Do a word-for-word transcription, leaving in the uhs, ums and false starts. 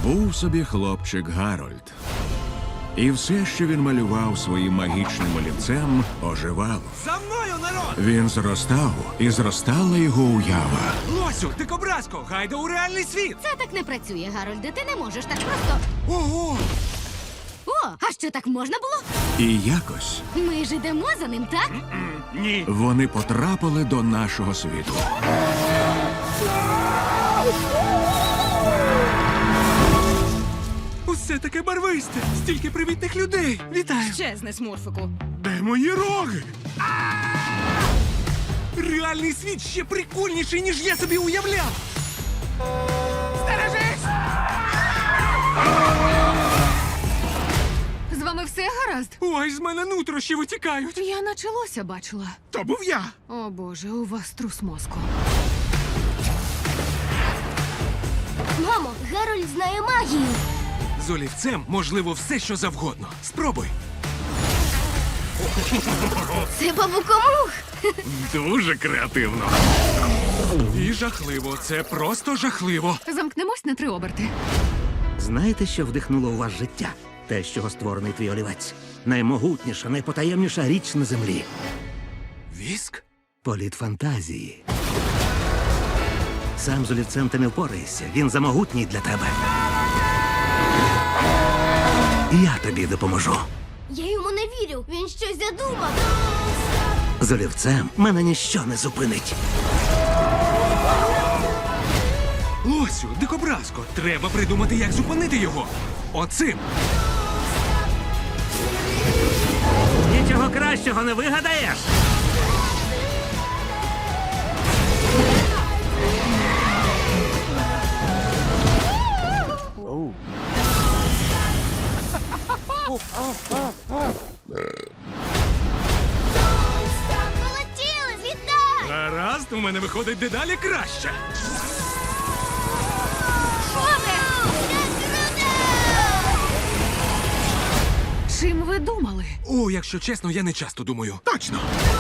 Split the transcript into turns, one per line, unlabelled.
Був собі хлопчик Гарольд. І все, що він малював своїм магічним олівцем, оживало.
За мною, народ!
Він зростав, і зростала його уява.
Лосю, дикобразко, гайда у реальний світ!
Це так не працює, Гарольде. Ти не можеш так просто.
Ого!
О, а що так можна було?
І якось
Ми ж ідемо за ним, так?
Ні!
вони потрапили до нашого світу.
Усе таке барвисте! Стільки привітних людей! Вітаю!
Щезни, смурфику.
Де мої роги? Реальний світ ще прикольніший, ніж я собі уявляв! Стережись!
З вами все гаразд?
Ой, з мене нутрощі витікають!
Я наче лося бачила.
То був я!
О боже, у вас трус мозку.
Мамо, Гарольд знає магію.
З олівцем можливо все, що завгодно. Спробуй!
Це бабукомух.
Дуже креативно. І жахливо. Це просто жахливо.
Замкнемось на три оберти.
Знаєте, що вдихнуло у вас життя? Те, з чого створений твій олівець. Наймогутніша, найпотаємніша річ на землі.
Віск?
Політ фантазії. Сам з олівцем ти не впораєшся. Він замогутній для тебе. Я тобі допоможу.
Я йому не вірю. Він щось задумав.
З олівцем мене ніщо не зупинить.
Лосю, дикобразко, треба придумати, як зупинити його. Оцим.
Нічого кращого не вигадаєш.
Полетіли, вітаю!
Гаразд, у мене виходить дедалі краще.
Чим ви думали?
О, якщо чесно, я не часто думаю. Точно!